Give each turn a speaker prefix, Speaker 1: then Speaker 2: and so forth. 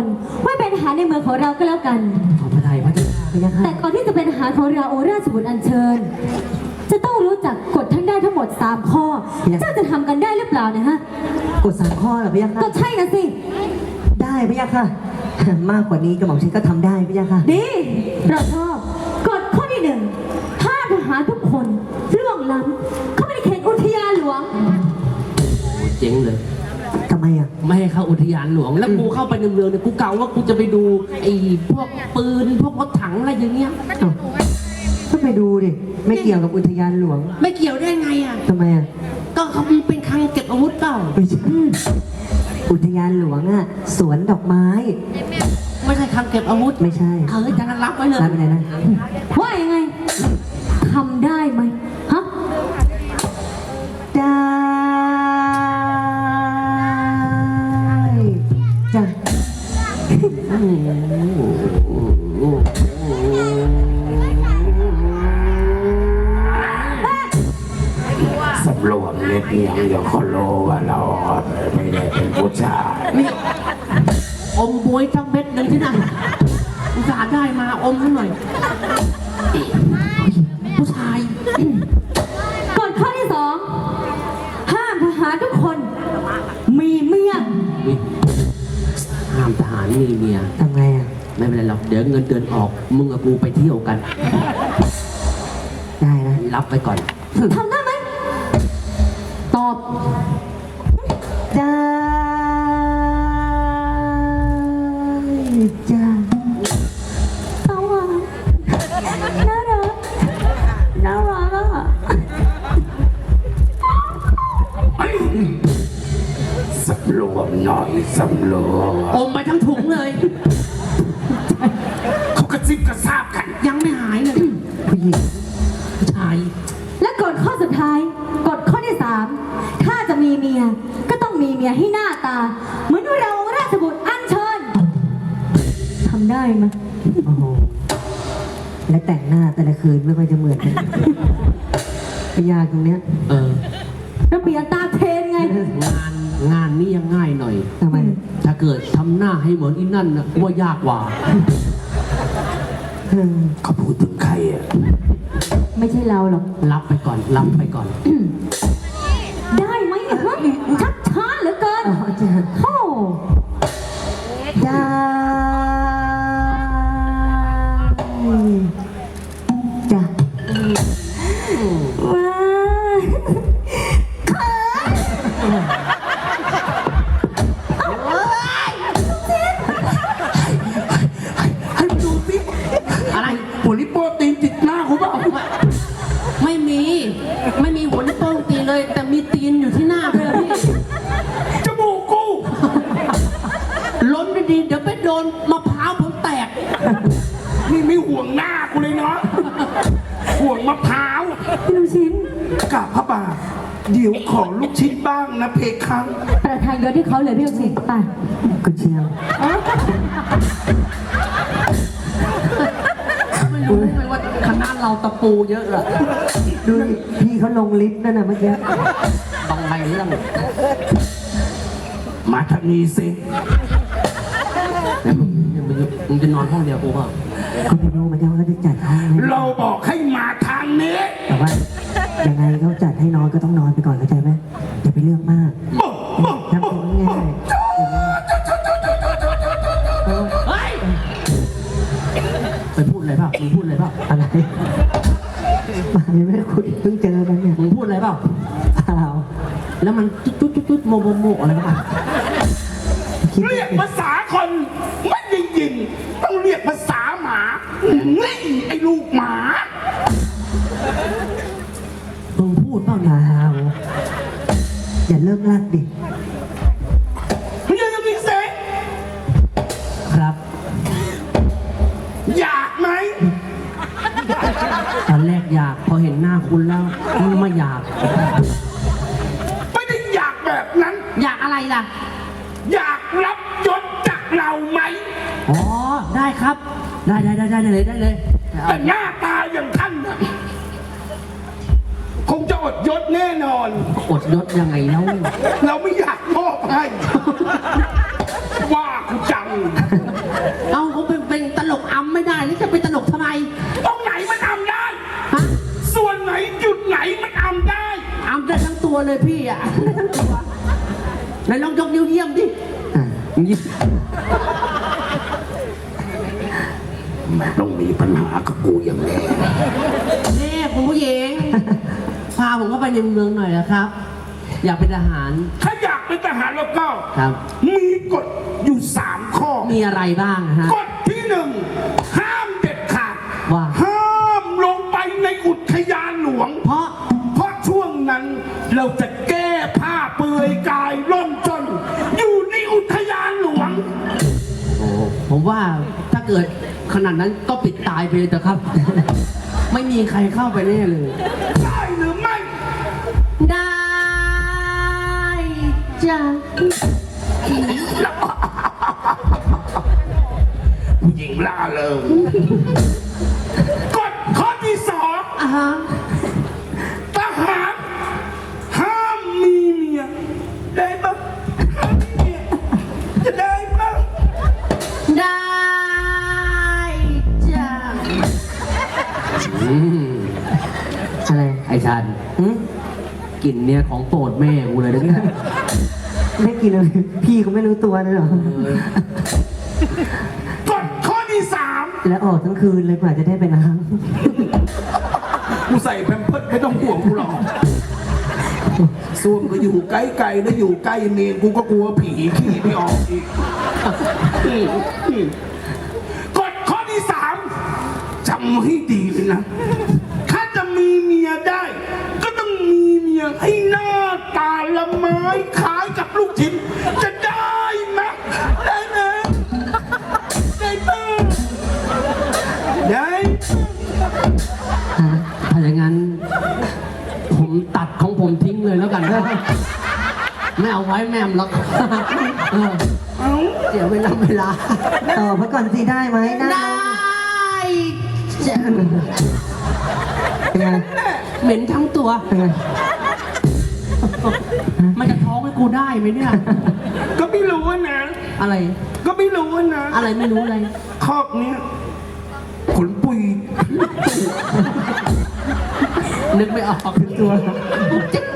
Speaker 1: คนไว้เป็นทหารในเมืองของเราก็แล้วกัน
Speaker 2: ขอพระทัยพระเจ้าค่ะ
Speaker 1: แต่ก่อนที่จะเป็นทหารของเราโอราชบุตรอัญเชิญจะต้องรู้จักกฎทั้งได้ทั้งหมด3ข้อเจ้าจะทำกันได้หรือเปล่านะฮะ
Speaker 2: กฎ3 ข้อเหรอพระยาค่ะ
Speaker 1: ก็ใช่นะสิ
Speaker 2: ได้พระยาค่ะมากกว่านี้กระหม่อมฉันก็ทำได้พระยาค่ะ
Speaker 1: ดีเราชอบกฎข้อที่1ถ้าทหารทุกคนล่วงล้ำเข้าไปในเขตอุทยานหลวง
Speaker 3: เจ๊งเลย
Speaker 2: ทำไมอ่ะ
Speaker 3: ไม่ให้เข้าอุทยานหลวงแล้วกูเข้าไปในเมืองเนี่ยกูเก่าว่ากูจะไปดูไอ้พวกปืนพวกรถถังอะไรอย่างเงี้ย
Speaker 2: ก็ไปดูดิไม่เกี่ยวกับอุทยานหลวง
Speaker 3: ไม่เกี่ยวได้ไงอ่ะ
Speaker 2: ทำไมอ่ะ
Speaker 3: ก็เขาเป็นคลังเก็บอาวุธเปล่า
Speaker 2: ไม่ใช่อุทยานหลวงอ่ะสวนดอกไม้
Speaker 3: ไม่ใช่คลังเก็บอาวุธ
Speaker 2: ไม่ใช่
Speaker 3: จะรับไว้เลย
Speaker 2: รับไปไหนนะ
Speaker 1: ว่ายังไงทำได้ไหมฮะ
Speaker 2: ได้จ้ะ
Speaker 4: สำรวมเล็บยังเดี๋ยวเขาโลว่าเราไม่ได้เป็นผู้ชาย
Speaker 3: นี่อมบวยทั้งเม็ดหนึ่งที่นั่นอุตส่าห์ได้มาอมหน่อยผู้ชาย
Speaker 1: กฎข้อที่2ห้ามทหารทุกคนมีเมีย
Speaker 3: ห้ามทหารมีเมีย
Speaker 2: ทำไงอ่ะ
Speaker 3: ไม่เป็นไรหรอกเดี๋ยวเงินเดือนออกมึงกับกูไปเที่ยวกัน
Speaker 2: ได้นะ
Speaker 3: รับไปก่อน
Speaker 1: ทำได้ไหมตอบ
Speaker 2: ได้จ้า
Speaker 1: เอาอ่ะน่ารักน่ารักอ่ะ
Speaker 4: สำรวมหน่อยสำรวม
Speaker 3: อมไปทั้งถุงเลย
Speaker 4: เขากระซิบกระซาบกัน
Speaker 3: ยังไม่หายเลย
Speaker 2: ผู้หญิง
Speaker 3: ผู้ชาย
Speaker 1: และกฎข้อสุดท้ายกฎข้อที่3ถ้าจะมีเมียก็ต้องมีเมียให้หน้าตาเหมือนเราราชบุตรอัญเชิญทำได้ไหม
Speaker 2: โอ้โหและแต่งหน้าแต่ละคืนไม่ค่อยจะเหมือนกันยากตรงเนี้ย
Speaker 1: แล้วเปลี่ยนตาเทนไง
Speaker 3: งานนี้ยังง่ายหน่อย
Speaker 2: ทำไม
Speaker 3: ถ้าเกิดทำหน้าให้เหมือนอีนั่นนะว่ายากกว่า
Speaker 4: เขาพูดถึงใครอ่ะ
Speaker 1: ไม่ใช่เราหรอก
Speaker 3: รับไปก่อนรับไปก่อน
Speaker 1: ได้ไหมฮะชักช้าเหลือเกินโอ้
Speaker 2: ได้จ้ะ
Speaker 1: ว้า
Speaker 4: ให้ดูสิ
Speaker 3: อะไร
Speaker 4: หัวลิโป้ตีนติดหน้าเขาเปล่า
Speaker 3: ไม่มีหัวนิ้วโป้งตีเลยแต่มีตีนอยู่ที่หน้าเลยพี่
Speaker 4: จมูกกู
Speaker 3: ล้นไม่ดีเดี๋ยวไปโดนมะพร้าวผมแตก
Speaker 4: นี่ไม่ห่วงหน้ากูเลยเนาะห่วงมะพร้าว
Speaker 1: พี่ลูกชิ้น
Speaker 4: กราบพระบาทเดี๋ยวขอลูกชิ้นบ้างนะเพคัง
Speaker 1: ประทานยศให้เขาเลยพี่ลูกชิ้นไป
Speaker 2: กุเชียว
Speaker 3: ไม่รู้เลยว่าคณะเราตะปูเยอะอะ
Speaker 2: ดูพี่เขาลงลิฟต์นั่นน่ะเมื่อกี้
Speaker 3: ต้องไปเรื่อง
Speaker 4: มาทางนี้สิ
Speaker 3: มึงจะนอนห้องเดียวกูป่ะ
Speaker 2: เขาไม่รู้เหมือนกันว่าเขาจะจัดห้อง
Speaker 4: เราบอกให้มาทางนี้
Speaker 2: แต่ว่ายังไงเขาจัดให้นอนก็ต้องนอนไปก่อนเข้าใจไหมอย่าไปเรื่องมากทำตัวง่าย
Speaker 3: ไปพูดอะไรเปล่ามึงพูดอะไรเปล่า
Speaker 2: อะไรมาไม่ได้คุยเพิ่งเจอกันเนี่ย
Speaker 3: มึงพูดอะไรเปล่า
Speaker 2: เปล่า
Speaker 3: แล้วมันจุดโมอะไรกัน
Speaker 4: เรียกภาษาคนไม่ยิงต้องเรียกภาษาหมานี่ไอ้ลูกหมา
Speaker 3: มึงพูดเปล่า
Speaker 2: เปล่าอย่าเลิกลากดิ
Speaker 4: มึงยังมีเสียง
Speaker 3: ครับ
Speaker 4: อยากไหม
Speaker 3: ตอนแรกอยากพอเห็นหน้าคุณแล้วไม่อยาก
Speaker 4: ไม่ได้อยากแบบนั้น
Speaker 3: อยากอะไรล่ะ
Speaker 4: อยากรับยศจากเราไหม
Speaker 3: อ๋อได้ครับได้เลย
Speaker 4: แต่หน้าตาอย่างท่านนะคงจะอดยศแน่นอน
Speaker 3: อดยศยังไงแล้ว
Speaker 4: เราไม่อยากมอบให้ว่ากูจัง
Speaker 3: เอาเขาเป็นตลกอำไม่ได้นี่จะเป็นตลกทำไม
Speaker 4: ตรงไหนมันอำได้
Speaker 3: ฮะ
Speaker 4: ส่วนไหนจุดไหนมันอำได้
Speaker 3: อำได้ทั้งตัวเลยพี่อ่ะได้ทั้งตัวไหนลองยกนิ้วเยี่ยมดิ
Speaker 2: อ่ะ
Speaker 3: ยิ้ม
Speaker 4: แม่ต้องมีปัญหากับกูอย่างแน่
Speaker 3: นี่คุณผู้หญิงพาผมเข้าไปในเมืองหน่อยนะครับ อยากเป็นทหาร
Speaker 4: ถ้าอยากเป็นทหารแล้วก็
Speaker 3: ครับ
Speaker 4: มีกฎอยู่3 ข้อ
Speaker 3: มีอะไรบ้างอะฮะ
Speaker 4: กฎที่ 1 ห้ามเด็ดขาด
Speaker 3: ว่า
Speaker 4: ห้ามลงไปในอุทยานหลวง
Speaker 3: เพราะ
Speaker 4: เพราะช่วงนั้นเราจะแก้ผ้าเปลือยกายล่อนจน อยู่ในอุทยานหลวง
Speaker 3: โอ้ผมว่าถ้าเกิดขนาดนั้นก็ปิดตายไปเลยเถอะครับ ไม่มีใครเข้าไปแน่เลย
Speaker 4: ได้หรือไม่
Speaker 3: ได้จ้ะ
Speaker 4: ผู้หญิงล่าเริงกฎข้อที่
Speaker 3: อ่าฮะ
Speaker 4: 2 ทหารห้ามมีเมียได้ปะห้ามมีเมียจะได้ปะ
Speaker 3: ได้จ้ะ
Speaker 2: อะไร
Speaker 3: ไอ้ชัน
Speaker 2: อืม
Speaker 3: กลิ่นเนี่ยของโปรดแม่กูเลยนะเนี่ย
Speaker 2: ไม่กินเลยพี่เขาไม่รู้ตัวเลยเหรอ
Speaker 4: กฎข้อที่ 3
Speaker 2: แล้วออกทั้งคืนเลยกว่าจะได้ไปล้าง
Speaker 4: กูใส่แพมเพิร์สไม่ต้องห่วงกูหรอกส่วนก็อยู่ใกล้ๆนะอยู่ใกล้เมนกูก็กลัวผีขี้ไม่ออกอีกกฎข้อที่ 3จำให้ดีเลยนะ ถ้าจะมีเมียได้ ก็ต้องมีเมียให้หน้าตาละไม้คล้ายกับลูกชิ้นจะได้ไหมได้ไหมได้ปะได้
Speaker 3: ถ้าอย่างนั้น ผมตัดของผมทิ้งเลยแล้วกันไม่เอาไว้แม่มหรอกเออ
Speaker 4: เอ้า
Speaker 3: เดี๋ยวเวลา
Speaker 2: ต่อมาก่อนสิได้ไหมได้
Speaker 3: ได้จ้ะ
Speaker 2: เป็นไง
Speaker 3: เหม็นทั้งตัว
Speaker 2: เป็นไง
Speaker 3: มันจะท้องให้กูได้ไหมเนี่ย
Speaker 4: ก็ไม่รู้นะ
Speaker 3: อะไร
Speaker 4: ก็ไม่รู้นะ
Speaker 3: อะไรไม่รู้อะไร
Speaker 4: คอกเนี้ยขนปุย
Speaker 3: นึกไม่ออก
Speaker 2: ตัว